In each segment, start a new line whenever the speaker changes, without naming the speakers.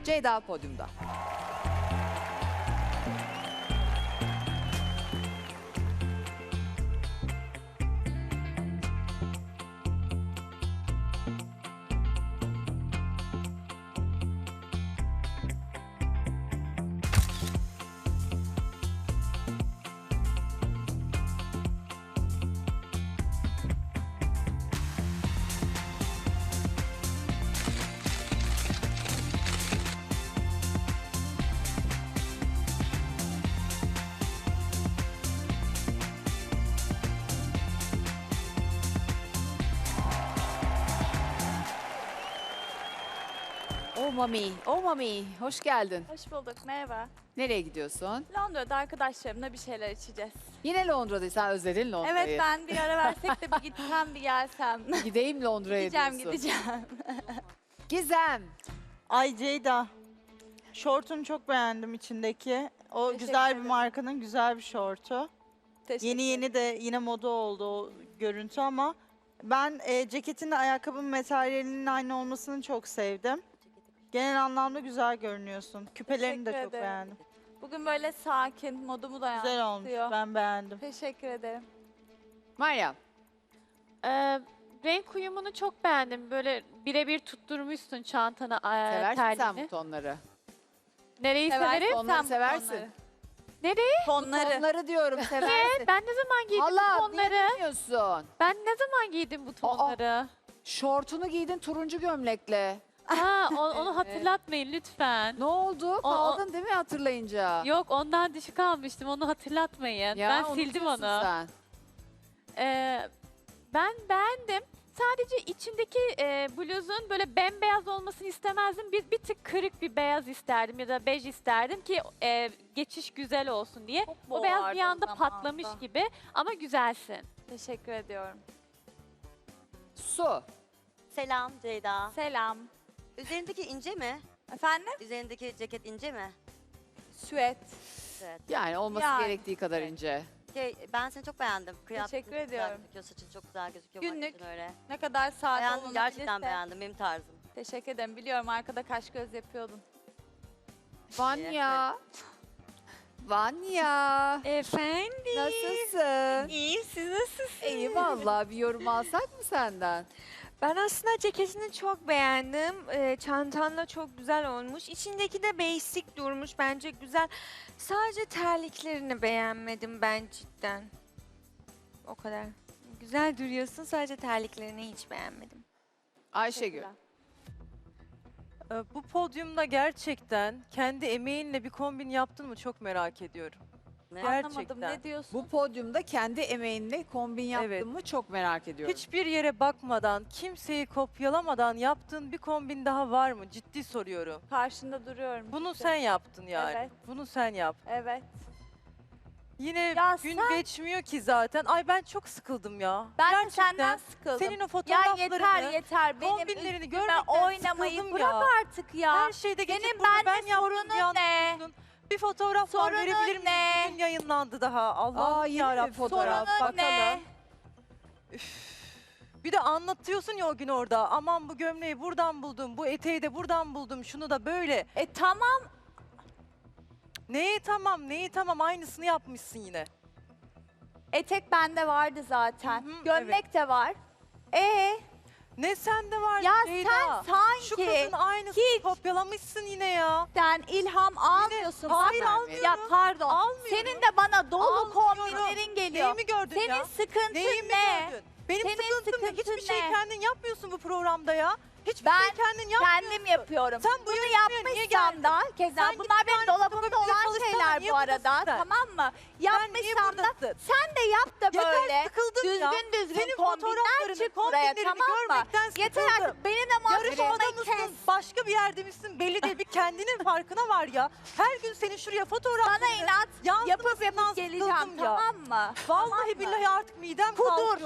Ceyda podyumda. Oh mami, hoş geldin.
Hoş bulduk, merhaba.
Nereye gidiyorsun?
Londra'da arkadaşlarımla bir şeyler içeceğiz.
Yine Londra'daysan özledin Londra'yı.
Evet, ben bir ara versek de bir gitsem, bir gelsem.
Gideyim Londra'ya diyorsun.
Gideceğim.
Gizem.
Ay Ceyda, şortunu çok beğendim içindeki. O
Teşekkür
güzel bir
ederim.
markanın güzel bir şortu.
Teşekkür
Yeni yeni de yine moda oldu o görüntü ama ben ceketin de ayakkabının materyalinin aynı olmasını çok sevdim. Genel anlamda güzel görünüyorsun. Küpelerini de
Teşekkür
çok
ederim.
beğendim.
Bugün böyle sakin, modumu da
Güzel olmuş,
yansıtıyor.
ben beğendim.
Teşekkür ederim.
Meryem.
Renk uyumunu çok beğendim. Böyle birebir tutturmuşsun çantana,
Seversin sen
terliğini.
bu tonları.
Nereyi
Seversin
severim?
Tonları
sen bu
seversin.
tonları.
Nereyi?
Tonları.
Tonları diyorum seversin.
Ben ne zaman giydim bu
Allah
tonları?
bilmiyorsun.
Ben ne zaman giydim bu tonları?
Şortunu giydin turuncu gömlekle.
Ha, onu hatırlatmayın lütfen.
Ne oldu? Kaldın değil mi hatırlayınca?
Yok, ondan düşük almıştım. Onu hatırlatmayın.
Ya,
ben sildim
unutuyorsun
onu.
Sen.
Ben beğendim. Sadece içindeki bluzun böyle bembeyaz olmasını istemezdim. Bir tık kırık bir beyaz isterdim ya da bej isterdim ki geçiş güzel olsun diye.
Çok
O beyaz
boğardı
bir
o
anda
zaman
patlamış
da.
gibi ama güzelsin.
Teşekkür ediyorum.
Su.
Selam Ceyda.
Selam.
Üzerindeki ince mi?
Efendim?
Üzerindeki ceket ince mi?
Süet.
Evet.
Yani olması
Yani,
gerektiği kadar
evet.
ince.
Ben seni çok beğendim. Kıyafetin
Teşekkür
çok güzel
ediyorum.
gözüküyor, saçın çok güzel gözüküyor.
Günlük.
makyajın öyle.
Ne kadar sade
Beğendim,
olunabilirse.
gerçekten beğendim. Benim tarzım.
Teşekkür ederim. Biliyorum arkada kaş göz yapıyordun.
Vanya. Vanya.
Efendim?
Nasılsın?
İyiyim, siz nasılsınız?
İyi vallahi bir yorum alsak mı senden?
Ben aslında ceketini çok beğendim. Çantan da çok güzel olmuş. İçindeki de basic durmuş. Bence güzel. Sadece terliklerini beğenmedim ben cidden. O kadar. Güzel duruyorsun. Sadece terliklerini hiç beğenmedim.
Ayşegül.
Bu podyumda gerçekten kendi emeğinle bir kombin yaptın mı çok merak ediyorum.
Ne?
Gerçekten.
Anlamadım. Ne diyorsun?
Bu podyumda kendi emeğinle kombin yaptın
Evet.
mı çok merak ediyorum.
Hiçbir yere bakmadan, kimseyi kopyalamadan yaptığın bir kombin daha var mı? Ciddi soruyorum.
Karşında duruyorum.
Bunu
işte.
sen yaptın yani.
Evet.
Bunu sen yap.
Evet.
Yine
Ya
gün
sen-
geçmiyor ki zaten. Ay ben çok sıkıldım ya.
Ben de
Gerçekten.
senden sıkıldım.
Senin o
Ya
fotoğraflarını,
yeter Benim
kombinlerini
üstüme
görmekten
oynamayı
sıkıldım
bırak
ya.
artık ya.
Her şeyde geçip
Senin
burada
benimle
ben yaptım
sorunun
diye
ne?
anlatıyorsun. Bir fotoğraf var
Sorunun
verebilir miyim?
ne?
Bugün yayınlandı daha.
Aa,
Allah'ım
yeni mi
yarabbim.
fotoğraf?
Sorunun
Bakalım.
ne?
Bir de anlatıyorsun ya o gün orada. Aman bu gömleği buradan buldum, bu eteği de buradan buldum, şunu da böyle.
Tamam.
Neyi tamam aynısını yapmışsın yine.
Etek bende vardı zaten.
Hı hı,
Gömlek de var.
Ne sende var
Ya
Ceyda?
sen sanki
Şu kızın aynısını
hiç-
kopyalamışsın yine ya.
sen ilham almıyorsun.
Hayır,
Bak-
almıyorum.
Ya pardon.
Almıyorum.
Senin de bana dolu
Almıyorum.
kombinlerin geliyor.
Neyi mi gördün
Senin
ya?
sıkıntın
Neyi mi
ne?
gördün? Benim
Senin
sıkıntım ne?
sıkıntın
Hiçbir şey
ne?
kendin yapmıyorsun bu programda ya. Hiçbir
Ben
şey kendin yapmıyorsun.
Kendim yapıyorum.
Sen bu
Bunu
yarışmaya niye
yapmışsam
geldin?
da keza
Sen git
bunlar
bir
benim
tane
dolabımda
fotoğrafıyla
olan
çalışsana,
şeyler
niye
bu arada.
buradasın sen?
Tamam mı?
niye
Yapmışsam da
buradasın?
sen de yap da
Yeter,
böyle
sıkıldım ya.
düzgün
Senin
kombinler
fotoğraflarını,
çık buraya,
kombinlerini
tamam mı?
görmekten
Yeter
sıkıldım.
artık benimle muhabbet
Yarışmada
etmeyi kes.
mısın? Başka bir yerde misin? Belli değil. Bir kendinin farkına var ya. Her gün senin şuraya fotoğraflarını
Sana inat
yansımasından
yapıp geleceğim,
sıkıldım ya.
tamam mı?
Vallahi billahi artık midem
Kudur.
kalkıyor ya. Yeter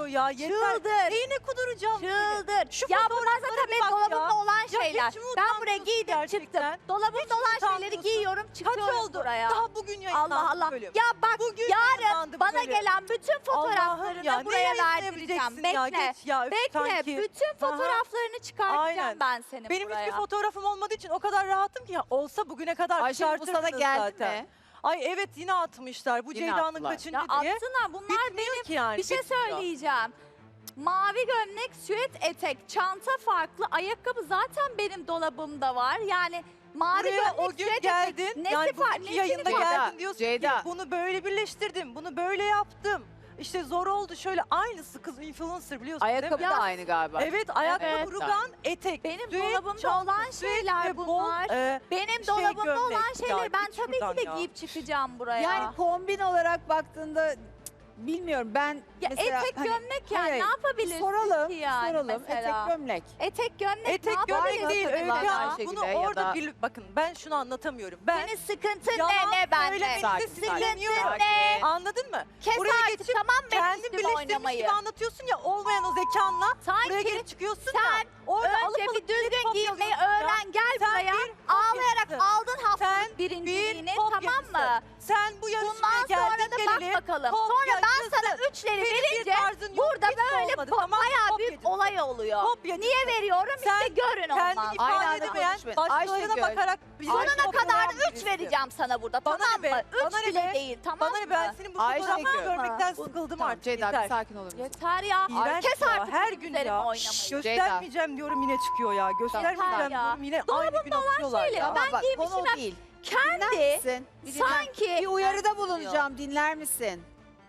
Çıldır.
Neyine kuduracağım?
Çıldır.
Şu
Ya bunlar
fotoğraflara
zaten
bir
benim
bak ya.
dolabımda olan
Ya
şeyler.
hiç mi
Ben buraya
utanmıyorsun
giydim
gerçekten?
çıktım. Dolabımda olan şeyleri
utanmıyorsun.
giyiyorum
Kaç
çıkıyorum
oldu?
buraya.
Daha bugün yayınlandı
Allah Allah.
bölüm.
Ya bak
Bugün
yarın
yayınlandı bu
bana
bölüm.
gelen bütün
Allah'ım
fotoğraflarını
ya, ne
buraya
yayınlayabileceksin
verdireceğim.
ya?
Bekle.
Geç ya, üf,
Bekle.
sanki.
Bütün
Aha.
fotoğraflarını çıkartacağım
Aynen.
ben senin
Benim
buraya.
hiçbir fotoğrafım olmadığı için o kadar rahatım ki ya, olsa bugüne kadar
Ayşegül bu sana
çıkartırdınız
geldi
zaten.
mi?
Ay evet yine atmışlar. Bu
Yine
Ceyda'nın
attılar.
kaçıncı
Ya
diye.
atsınlar bunlar
Bitmiyor ki yani.
bir şey
bitmiyor.
söyleyeceğim. Mavi gömlek, süet etek, çanta farklı, ayakkabı zaten benim dolabımda var. Yani mavi
Buraya
gömlek,
o gün
süet
geldin.
etek, nesi
Yani
var?
bugünkü yayında
var?
geldin diyorsun
Ceyda.
ki bunu böyle birleştirdim. Bunu böyle yaptım. İşte zor oldu şöyle aynısı kız influencer biliyorsun
Ayakkabı
değil mi?
da aynı galiba.
Evet ayakkabı,
Evet.
rugan, etek.
Benim
düet,
dolabımda
çanta,
olan
süet
şeyler
ve bol,
bunlar.
şey
Benim dolabımda
gömlek.
olan
Ya
şeyleri ben
git
tabii ki
şuradan
de
ya.
giyip çıkacağım buraya.
Yani kombin olarak baktığında bilmiyorum ben
ya
mesela
etek
hani-
gömlek yani
hayır,
ne yapabilirsin
soralım,
ki yani
soralım
mesela?
etek gömlek.
Etek gömlek ne
Etek
yapabilirsin
gömlek değil
Takılan
Öykü Hanım.
Ayşegül'e
Bunu
ya
orada
da-
bakın ben şunu anlatamıyorum. Ben
Senin sıkıntın
yalan
ne bende?
söylemenize
Sakin,
sinirleniyorum.
sakin.
Ne?
Anladın mı?
Kes
Buraya
artık
geçip
tamam mı
kendin
üstüme
birleştirmiş
oynamayı?
gibi anlatıyorsun ya olmayan o zekanla. Buraya
Sanki
gelip çıkıyorsun
sen
ya. Orada alıp
önce
alıp
bir düzgün
kopya
giymeyi
alıyorsun ya.
öğren gel
Sen
buraya.
bir
Ağlayarak
kopyacısın.
aldın haftalık
Sen
birinciliğini
bir
tamam
kopyacısın.
mı?
Sen bu yarışmaya
Bundan
geldin
sonra da bak
geleli.
bakalım. Sonra ben sana üçleri
Senin bir
verince
tarzın yok,
burada
hiç
böyle
olmadı, tamam mı?
bayağı büyük
Kopyacısın.
olay oluyor.
Kopyacısın.
Niye veriyorum?
Sen
işte görün ondan.
Kendini
Aynı
ifade
anda
edemeyen
konuşmayın.
başkalarına
Ayşegül,
bakarak bizi
Sonuna kadar
kopyalayan
3
birisi.
vereceğim sana burada
Bana
tamam
ne be?
mı? 3
Bana ne
bile
be?
değil tamam
Bana ne ben
mı?
senin bu
Ayşegül.
fotoğrafını görmekten
Bu-
sıkıldım
Tamam
artık
Ceyda
yeter.
bir sakin olur musun?
Yeter ya.
İğrenç
Kes
ya,
artık
her
benim
gün
üzerime
ya.
oynamayı.
Göstermeyeceğim diyorum yine çıkıyor ya. Göstermeyeceğim
ya.
diyorum yine aynı gün atıyorlar
şeyleri
ya.
ben
bak,
giymişim
konu
hep
o değil.
Kendi
Misin? Bir dinler-
sanki
Bir uyarıda bulunacağım dinler misin?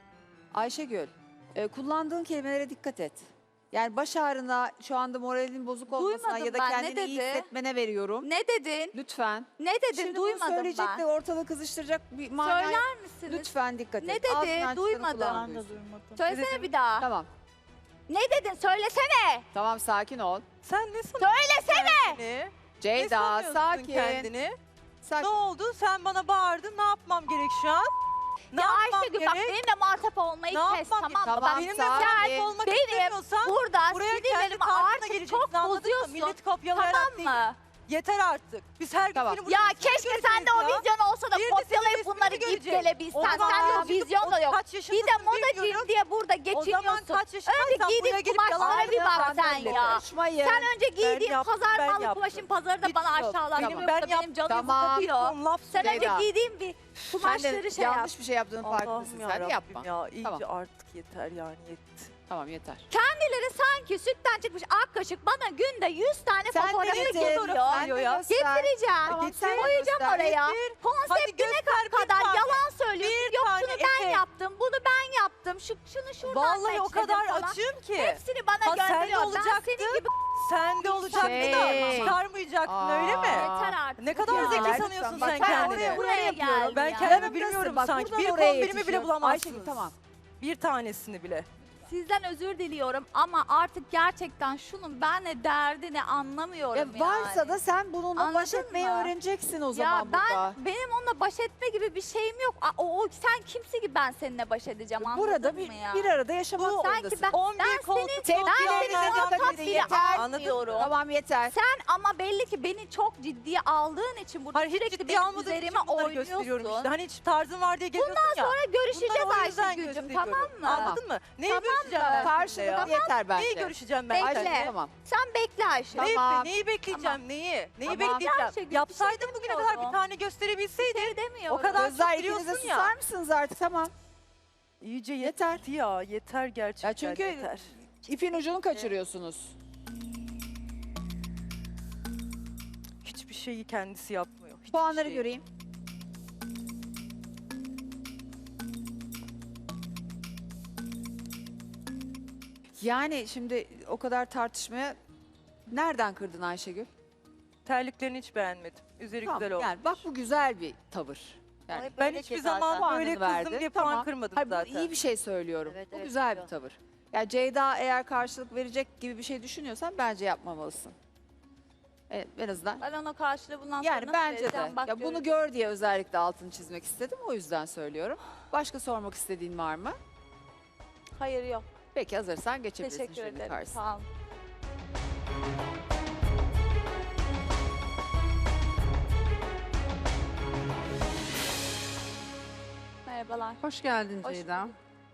Ayşegül kullandığın kelimelere dikkat et. Yani baş ağrına şu anda moralin bozuk olmasına
Duymadım
ya da
ben, ne
kendini iyi
dedi?
hissetmene veriyorum.
ne dedin?
Lütfen.
Ne dedin?
Şimdi bunu
Duymadım
söyleyecek
ben.
de ortalığı kızıştıracak bir mana.
Söyler misiniz?
Lütfen dikkat et.
Ne dedi?
Ağzından çıkanı
Duymadım.
kulağın
Ben de
duysun.
duymadım.
Söylesene
dedim?
bir daha.
Tamam.
Ne dedin? Söylesene.
Tamam sakin ol.
Sen ne sanıyorsun
Söylesene.
kendini? Ne
Ceyda
sanıyorsun
sakin.
kendini? Ne
Sakin.
oldu? Sen bana bağırdın. Ne yapmam gerek şu an? Ne
Ya
yapmam
Ayşegül bak
gerek?
benimle muhatap olmayı
Ne
kes
yapmam
tamam mı?
Tamam,
Bak
Benimle
sakin.
muhatap olmak
benim
istemiyorsan
burada
buraya kendi
sinirlerimi
tarzına
artık
geleceksin,
çok
anladın mı?
bozuyorsun.
Millet kopyalayarak
Tamam
değil.
mı?
Yeter artık. Biz her gün
Tamam.
seni burada
Ya
yüzünü
keşke sende o
göreceğiz ya.
vizyon olsa da
Bir de
kopyalayıp
senin
bunları
resmini
giyip
göreceğiz.
gelebilsen.
O zaman
Sende o
ya,
vizyon da yok.
Kaç
Bir
yaşındasın
de modacıyım
bilmiyorum.
diye burada
O zaman
geçiniyorsun.
kaç
Önce
yaşındaysan buraya
giydiğin
gelip
kumaşlara
yalan
bir bak
söylüyorsun
sen
belli.
ya.
Konuşmayın.
Sen önce giydiğin
yaptım,
pazar
ben
malı
yaptım.
kumaşın pazarı da bana
Bitiyor.
aşağılattın.
Tamam.
Yoksa
Ben
benim canım
Tamam.
sıkılıyor.
Laf
Sen önce
Ceyda.
giydiğin bir
Sen de
kumaşları şey yap.
yanlış bir şey yaptığının farkındasın.
Allah'ım
Sen
yarabbim
yapma.
ya. İyice
Tamam.
artık yeter yani yetti.
Tamam yeter.
Kendileri sanki sütten çıkmış ak kaşık bana günde 100 tane
Sen
fotoğrafı
de getir.
getiriyor.
Sen de
ya.
göster.
Getireceğim.
Tamam, sen
Koyacağım
göster.
oraya.
Hadi
Konseptine
göster bir
kadar
tane.
yalan söylüyorsun.
Bir
Yok
tane
şunu ben
etek.
yaptım, bunu ben yaptım. Şunu şuradan
Vallahi o
seçtim
kadar
falan.
açığım ki.
Hepsini bana
Ha, sen de
gönderiyor. Ben
olacaktı.
senin gibi
Sen de olacaktı
Şey.
da çıkarmayacaktın öyle mi?
yeter artık.
Ne kadar
ya.
zeki
Lütfen,
sanıyorsun
bak,
sen
sen
kendini.
Buraya geldim
Ben
ya.
kendimi
Yanımdasın,
bilmiyorum
bak,
sanki.
buradan
Bir
oraya
kombinimi bile
yetişiyor.
bulamazsınız.
Ayşegül tamam.
Bir tanesini bile.
Sizden özür diliyorum ama artık gerçekten şunun benle derdini anlamıyorum
Ya varsa
yani.
da sen bununla baş
Anladın
etmeyi
mı?
öğreneceksin o
Ya
zaman burada.
benim onunla baş etme gibi bir şeyim yok. Sen kimsin ki ben seninle baş edeceğim anladın
Burada
mı
bir,
ya?
bir arada yaşamak
Bu
zorundasın.
sanki ben
11 koltuk
Tepki
ben
verene
seni
dikkat
muhatap
edin
bile
yeter.
almıyorum.
Tamam yeter.
Sen ama belli ki beni çok ciddiye aldığın için burada
Hayır hiç
sürekli
ciddiye
benim
almadığım için
üzerime
bunları gösteriyorum işte.
oynuyorsun.
Hani hiç tarzın var diye geliyorsun ya.
Sonra görüşeceğiz
Bunları o yüzden
Ayşegül'cüm
gösteriyorum.
tamam mı?
Anladın mı? Neyi
Tamam
görüşeceğim
mı?
ben seninle
Karşılıklı
ya?
yeter bence.
Neyi görüşeceğim ben
Bekle.
seninle?
Tamam.
Sen bekle Ayşe.
Tamam.
Neyi bekleyeceğim? Neyi? Neyi
Tamam.
bekleyeceğim?
Ayşegül, bir
Yapsaydın
şey
bugüne kadar
demiyorum.
bir tane gösterebilseydin.
Şey demiyorum.
O kadar
Kızlar
çok
ikiniz de
biliyorsun
susar
ya.
mısınız artık? Tamam.
İyice
Yeter.
yeter ya. Yeter gerçekten
Ya çünkü
yeter.
ipin ucunu kaçırıyorsunuz.
Hiçbir şeyi kendisi yapmıyor. Hiçbir
Puanları
şeyi.
göreyim. Yani şimdi o kadar tartışmaya nereden kırdın Ayşegül?
Terliklerini hiç beğenmedim. Üzeri
Tamam,
güzel olmuş.
yani bak bu güzel bir tavır. Yani
Hep
Ben
öyle
hiçbir
ki
zaman
zaten.
böyle
puanını
kızdım
verdi.
diye puan
Tamam.
kırmadım
Hayır, bu
zaten.
iyi bir şey söylüyorum.
Evet,
bu
evet,
güzel bir
biliyorum.
tavır. Yani Ceyda eğer karşılık verecek gibi bir şey düşünüyorsan bence yapmamalısın. Evet, en azından.
Ben ona karşılığı bundan sonra
Yani
nasıl
bence de.
vereceğim? Bak
Ya bunu
göreceğiz.
gör diye özellikle altını çizmek istedim. O yüzden söylüyorum. Başka sormak istediğin var mı?
Hayır yok.
Peki hazırsan geçebilirsin
Teşekkür
jürinin
ederim.
karşısına.
Sağ olun. Merhabalar.
Hoş geldin
Hoş
Ceyda.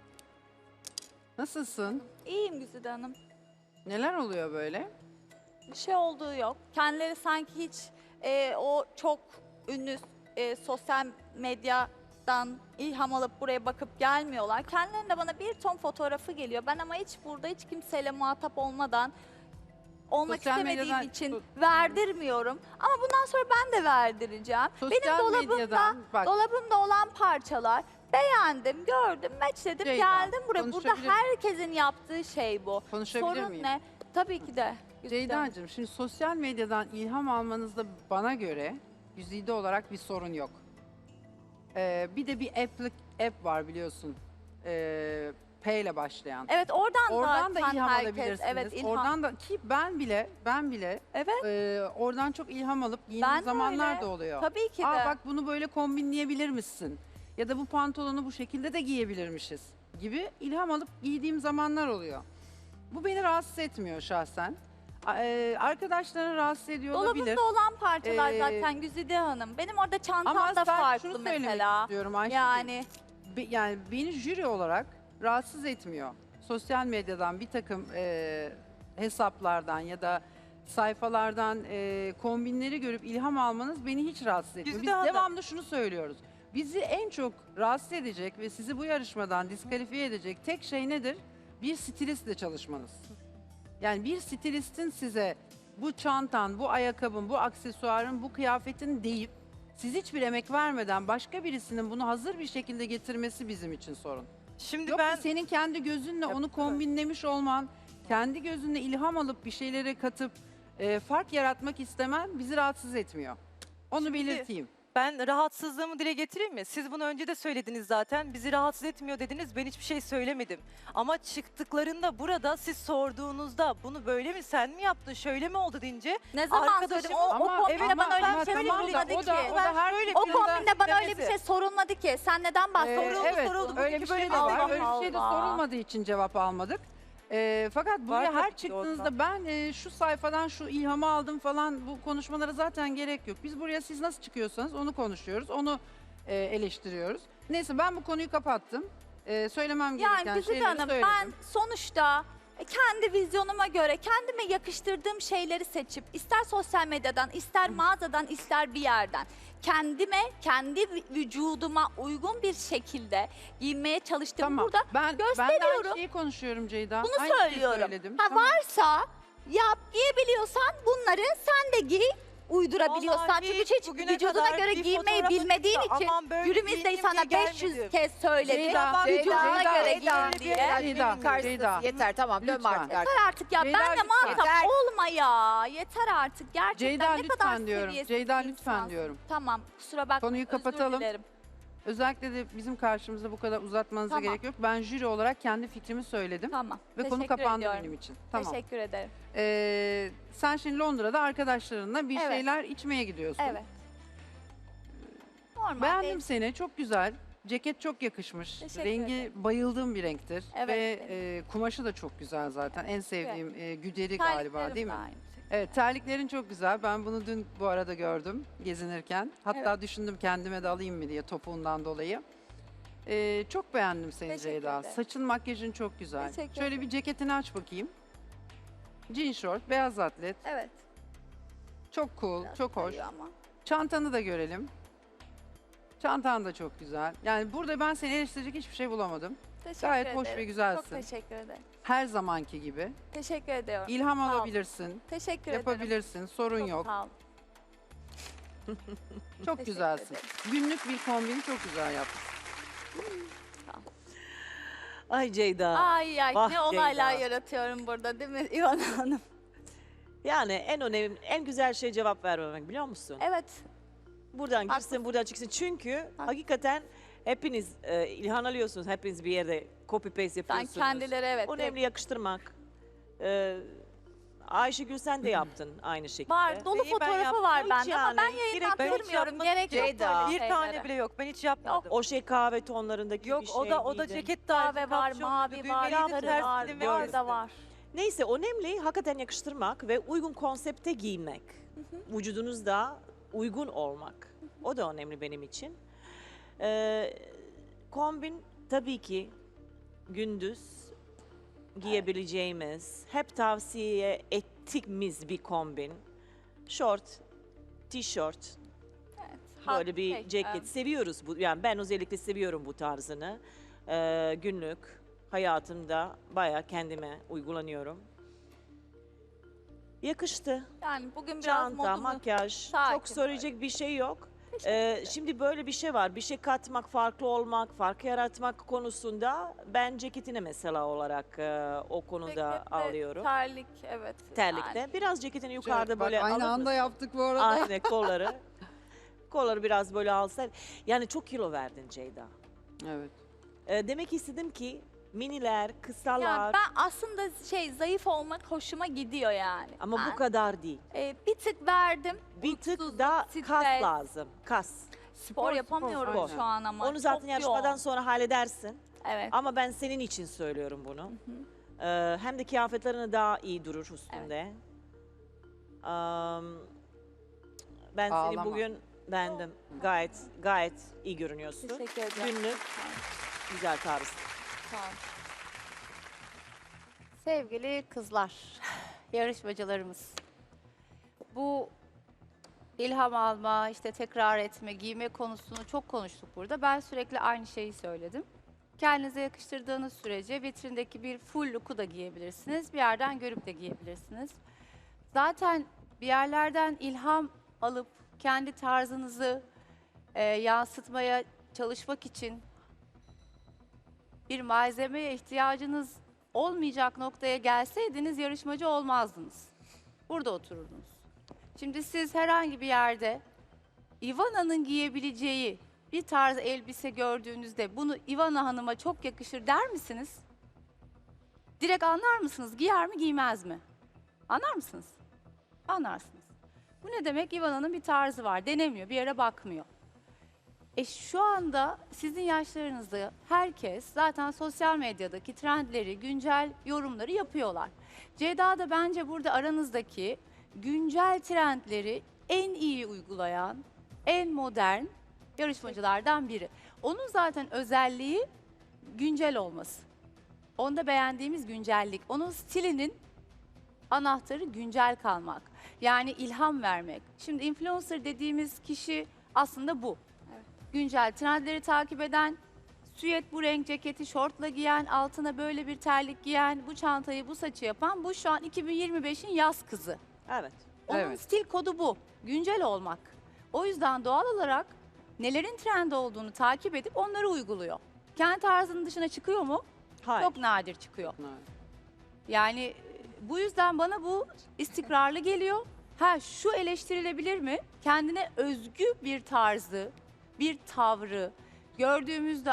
Nasılsın?
İyiyim Güzide Hanım.
Neler oluyor böyle?
Bir şey olduğu yok. Kendileri sanki hiç o çok ünlü sosyal medyadan ilham alıp buraya bakıp gelmiyorlar. Kendilerinde bana bir ton fotoğrafı geliyor. Ben ama hiç burada hiç kimseyle muhatap olmadan olmak
Sosyal
istemediğim
medyadan-
için verdirmiyorum. Ama bundan sonra ben de verdireceğim. Benim
Sosyal
dolabımda
medyadan bak
dolabımda olan parçalar beğendim, gördüm, matchledim,
Ceyda,
geldim buraya. Burada
konuşabilir-
herkesin yaptığı şey bu.
konuşabilir
Sorun
miyim?
ne? Tabii ki de. Güzide.
Ceyda'cığım şimdi sosyal medyadan ilham almanızda bana göre güzide olarak bir sorun yok. Bir de bir app var biliyorsun. P ile başlayan.
Evet
Oradan da
zaten
ilham
herkes,
alabilirsiniz.
evet ilham.
Oradan da ki ben bile
Evet.
oradan çok ilham alıp giydiğim
Ben de
zamanlar
öyle.
da oluyor.
Tabii ki de.
Aa bak bunu böyle kombinleyebilir misin? Ya da bu pantolonu bu şekilde de giyebilirmişiz gibi ilham alıp giydiğim zamanlar oluyor. Bu beni rahatsız etmiyor şahsen. Arkadaşlarını rahatsız ediyor olabilir.
Dolabımda olan parçalar
Ee,
zaten Güzide Hanım. Benim orada çantam
Ama
da
ben şunu
farklı
söylemek
mesela.
istiyorum Ayşegül.
Yani
Yani beni jüri olarak rahatsız etmiyor. Sosyal medyadan bir takım hesaplardan ya da sayfalardan kombinleri görüp ilham almanız beni hiç rahatsız etmiyor.
Güzide
Biz
Hanım.
devamlı şunu söylüyoruz. Bizi en çok rahatsız edecek ve sizi bu yarışmadan diskalifiye edecek tek şey nedir? Bir stilistle çalışmanız. Yani bir stilistin size bu çantan, bu ayakkabın, bu aksesuarın, bu kıyafetin deyip siz hiçbir emek vermeden başka birisinin bunu hazır bir şekilde getirmesi bizim için sorun.
Şimdi
Yok
ben
senin kendi gözünle onu kombinlemiş olman, kendi gözünle ilham alıp bir şeylere katıp fark yaratmak istemen bizi rahatsız etmiyor. Onu
Şimdi-
belirteyim.
Ben rahatsızlığımı dile getireyim mi? Siz bunu önce de söylediniz zaten. Bizi rahatsız etmiyor dediniz. Ben hiçbir şey söylemedim. Ama çıktıklarında burada siz sorduğunuzda bunu böyle mi sen mi yaptın şöyle mi oldu deyince
ne zaman
Arkadaşım,
söyledim? O kombinde bana öyle bir şey
tamam da
sorulmadı
o
ki.
da her
O
konuda-
kombinde bana öyle bir
demesi.
şey sorulmadı ki. Sen neden bahsediyorsun?
Evet,
soruldu.
öyle
Bugünkü
bir şey
böyle
de var.
Allah
Öyle bir şey de
Allah.
sorulmadığı için cevap almadık. Fakat buraya
tabii
her
ki de
çıktığınızda
ortam.
ben şu sayfadan şu ilhamı aldım falan bu konuşmalara zaten gerek yok. Biz buraya siz nasıl çıkıyorsanız onu konuşuyoruz, onu eleştiriyoruz. Neyse ben bu konuyu kapattım. Söylemem gereken
Yani Güzide
şeyleri
Hanım
söyledim.
ben sonuçta kendi vizyonuma göre kendime yakıştırdığım şeyleri seçip ister sosyal medyadan ister mağazadan ister bir yerden kendime kendi vücuduma uygun bir şekilde giyinmeye çalıştım.
Tamam.
Burada
ben de aynı
gösteriyorum.
şeyi konuşuyorum Ceyda.
Bunu
Aynı şeyi
söylüyorum.
söyledim.
Ha,
Tamam.
varsa yap giyebiliyorsan bunları sen de giy uydurabiliyorsan.
Vallahi
Çünkü hiç
bugüne
vücuduna
kadar
göre
bir
giymeyi
fotoğrafı
bilmediğin
çıktı.
için
Aman böyle
Yürümüzde
giyineyim
sana
diye
500
gelmedim.
kez söyledi.
Ceyda,
Vücuduna
Ceyda,
göre
Ceyda,
giyin diye.
Ceyda,
Karşısındası
Ceyda.
yeter tamam dön
Lütfen.
artık.
Yeter artık ya.
Ceyda,
Benle
lütfen.
muhatap
Yeter.
olma ya. Yeter artık. Gerçekten
Ceyda
ne kadar
lütfen diyorum.
seviyesiz
Ceyda
bir
lütfen
insansın.
diyorum.
Tamam kusura bakma.
Konuyu
özür
kapatalım.
dilerim.
Özellikle de bizim karşımızda bu kadar uzatmanıza
Tamam.
gerek yok. Ben jüri olarak kendi fikrimi söyledim
Tamam.
ve konu
Teşekkür
kapandı
ediyorum.
benim için. Tamam.
Teşekkür ederim.
Sen şimdi Londra'da arkadaşlarınla bir
Evet.
şeyler içmeye gidiyorsun.
Evet. Normal
Beğendim
değil.
seni. Çok güzel. Ceket çok yakışmış.
Teşekkür
Rengi
ederim.
bayıldığım bir renktir.
Evet,
Ve
evet.
kumaşı da çok güzel zaten. En sevdiğim güderi
Terliklerim
galiba değil mi?
de aynı şekilde.
Evet, terliklerin çok güzel. Ben bunu dün bu arada gördüm gezinirken. Hatta düşündüm kendime de alayım mı diye topuğundan dolayı. Çok beğendim seni
Teşekkür
Ceyda.
ederim.
Saçın, makyajın çok güzel.
Teşekkür
Şöyle
ederim.
bir ceketini aç bakayım. Jean short, beyaz atlet.
Evet.
Çok cool,
biraz
çok hoş.
kayıyor ama.
Çantanı da görelim. Çantan da çok güzel. Yani burada ben seni eleştirecek hiçbir şey bulamadım.
Teşekkür
Gayet
ederim.
hoş ve
Çok
güzelsin.
teşekkür ederim.
Her zamanki gibi.
Teşekkür ediyorum.
İlham
Sağ ol.
alabilirsin,
Teşekkür ederim.
yapabilirsin, sorun
Çok
yok.
sağ ol.
Çok
Teşekkür
güzelsin. Günlük bir kombini çok güzel yaptın.
Ay Ceyda.
Ay ay
Vah
ne olaylar
Ceyda.
yaratıyorum burada değil mi İvan Hanım?
Yani en önemli, en güzel şey cevap vermemek biliyor musun?
Evet.
Buradan girsin,
Haklısın.
buradan çıksın. Çünkü hakikaten hepiniz ilham alıyorsunuz. Hepiniz bir yerde copy paste
Sen
yapıyorsunuz.
kendileri evet.
Önemli yakıştırmak. Ayşegül sen de yaptın aynı şekilde.
Var, dolu
Neyi ben
fotoğrafı
yaptım?
var
Hiç
bende ama
yani,
ben
direkt
yayından
ben hiç
kırmıyorum.
yapmadım.
Gerek yok
Ceyda.
böyle
Bir tane
şeylere.
bile yok. Ben hiç yapmadım.
O şey kahve tonlarındaki
Yok
bir şey
o da
giydin.
ceket tarzı.
Kahve var,
kapşonlu,
mavi var,
düğmeliydi,
sarı
ters
var,
dilim ve
var
kesti.
da var.
Neyse önemli hakikaten yakıştırmak ve uygun konsepte giyinmek. Vücudunuzda uygun olmak. O da önemli benim için. Kombin tabii ki gündüz giyebileceğimiz, hep tavsiye ettiğimiz bir kombin. Şort, tişört, böyle bir ceket seviyoruz. Yani ben özellikle seviyorum bu tarzını. Günlük hayatımda bayağı kendime uygulanıyorum. Yakıştı.
Yani bugün biraz
Çanta,
modumu
makyaj,
sakin
çok söyleyecek bir şey yok. Şimdi böyle bir şey var. Bir şey katmak, farklı olmak, fark yaratmak konusunda ben ceketine mesela olarak o konuda
Ceket ve
alıyorum.
Terlik, evet.
Terlikte.
Yani.
Biraz ceketini yukarıda
Bak,
böyle
aynı
alır
anda
mısın?
yaptık bu arada.
Aynen kolları. Kolları biraz böyle alsaydı. Yani çok kilo verdin Ceyda.
Evet.
Demek istedim ki miniler, kısalar
Yani ben aslında zayıf olmak hoşuma gidiyor yani.
ama
Ben,
bu kadar değil.
bir tık verdim.
Bir tık
Mutsuzluk,
da kas
stres.
lazım. Kas.
Spor yapamıyorum
spor.
şu an ama.
Onu zaten
çok
yarışmadan
yoğun.
sonra halledersin.
Evet.
Ama ben senin için söylüyorum bunu. Hem de kıyafetlerini daha iyi durur üstünde. Ben seni
Ağlama.
bugün beğendim. Gayet iyi görünüyorsun.
Teşekkür ederim.
Günlük güzel tarz.
Sağ ol.
Sevgili kızlar, yarışmacılarımız. Bu ilham alma, işte tekrar etme, giyme konusunu çok konuştuk burada. Ben sürekli aynı şeyi söyledim. Kendinize yakıştırdığınız sürece vitrindeki bir full look'u da giyebilirsiniz. Bir yerden görüp de giyebilirsiniz. Zaten bir yerlerden ilham alıp kendi tarzınızı yansıtmaya çalışmak için bir malzemeye ihtiyacınız olmayacak noktaya gelseydiniz yarışmacı olmazdınız. Burada otururdunuz. Şimdi siz herhangi bir yerde Ivana'nın giyebileceği bir tarz elbise gördüğünüzde bunu Ivana Hanım'a çok yakışır der misiniz? Direkt anlar mısınız? Giyer mi giymez mi? Anlar mısınız? Anlarsınız. Bu ne demek? Ivana'nın bir tarzı var. Denemiyor, bir yere bakmıyor. Şu anda sizin yaşlarınızda herkes zaten sosyal medyadaki trendleri, güncel yorumları yapıyorlar. Ceyda da bence burada aranızdaki güncel trendleri en iyi uygulayan, en modern yarışmacılardan biri. Onun zaten özelliği güncel olması. Onda beğendiğimiz güncellik. Onun stilinin anahtarı güncel kalmak. Yani ilham vermek. Şimdi influencer dediğimiz kişi aslında bu. Güncel trendleri takip eden, süet bu renk ceketi şortla giyen, altına böyle bir terlik giyen, bu çantayı bu saçı yapan, bu şu an 2025'in yaz kızı.
Evet.
Onun
Evet.
stil kodu bu. Güncel olmak. O yüzden doğal olarak nelerin trend olduğunu takip edip onları uyguluyor. Kendi tarzının dışına çıkıyor mu?
Hayır.
Çok nadir çıkıyor. Yani bu yüzden bana bu istikrarlı geliyor. Ha şu eleştirilebilir mi? Kendine özgü bir tarzı, bir tavrı gördüğümüzde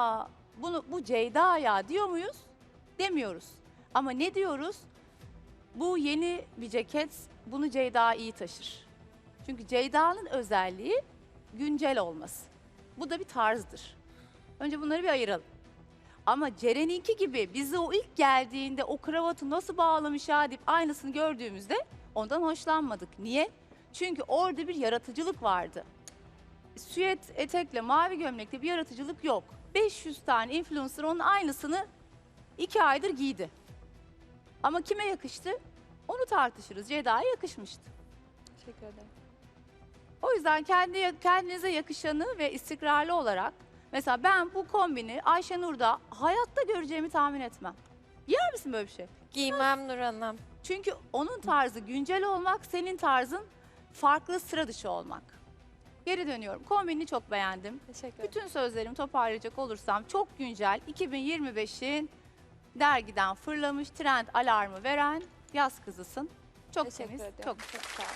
bu Ceyda ya diyor muyuz? Demiyoruz. Ama ne diyoruz? Bu yeni bir ceket, bunu Ceyda iyi taşır. Çünkü Ceyda'nın özelliği güncel olması. Bu da bir tarzdır. Önce bunları bir ayıralım. Ama Ceren'inki gibi bize o ilk geldiğinde o kravatı nasıl bağlamış ya deyip aynısını gördüğümüzde ondan hoşlanmadık. Niye? Çünkü orada bir yaratıcılık vardı. Süet etekle mavi gömlekte bir yaratıcılık yok. 500 tane influencer onun aynısını 2 aydır giydi. Ama kime yakıştı? Onu tartışırız. Ceyda'ya yakışmıştı.
Teşekkür ederim.
O yüzden kendinize yakışanı ve istikrarlı olarak mesela ben bu kombini Ayşenur'da hayatta göreceğimi tahmin etmem. Giyer misin böyle bir şey?
Giymem Nur Hanım.
Çünkü onun tarzı güncel olmak, senin tarzın farklı, sıra dışı olmak. Geri dönüyorum. Kombinini çok beğendim.
Teşekkür ederim.
Bütün sözlerimi toparlayacak olursam çok güncel 2025'in dergiden fırlamış trend alarmı veren yaz kızısın. Çok
Teşekkür
temiz,
ederim.
çok
Çok sağ olun.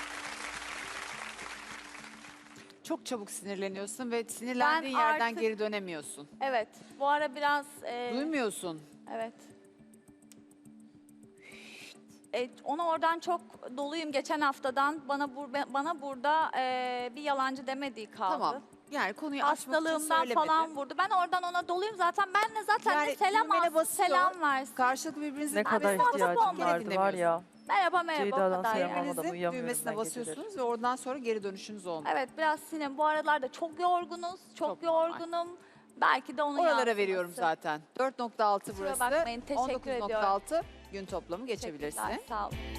Çok çabuk sinirleniyorsun ve sinirlendiğin
Ben
yerden
artık-
geri dönemiyorsun.
Evet. Bu ara biraz...
Duymuyorsun.
Evet. Ona oradan çok doluyum geçen haftadan. Bana burada bir yalancı demediği kaldı.
Tamam. Yani konuyu açmak için
Hastalığımdan
söylemedi.
falan vurdu. Ben oradan ona doluyum zaten. Ben de zaten
Yani
ne selam
düğmene
alsın,
basıyor.
selam versin.
Karşılıklı birbirinizin
Ne kadar
muhatap
ihtiyacım
olmadım.
vardı var ya.
Merhaba merhaba o
Ceyda'dan
kadar
selam
yani.
almadım.
Birbirinizin
uyuyamıyorum
düğmesine
ben geceleri.
basıyorsunuz ve oradan sonra geri dönüşünüz olmuyor.
Evet biraz sinir. Bu aralarda çok yorgunuz. Çok,
Çok normal.
yorgunum. Belki de onun
Oralara
yansıması.
veriyorum zaten. 4.6
Kusura
burası.
bakmayın, teşekkür ediyorum.
19.6 gün toplamı geçebilirsiniz.
Teşekkürler, sağ olun.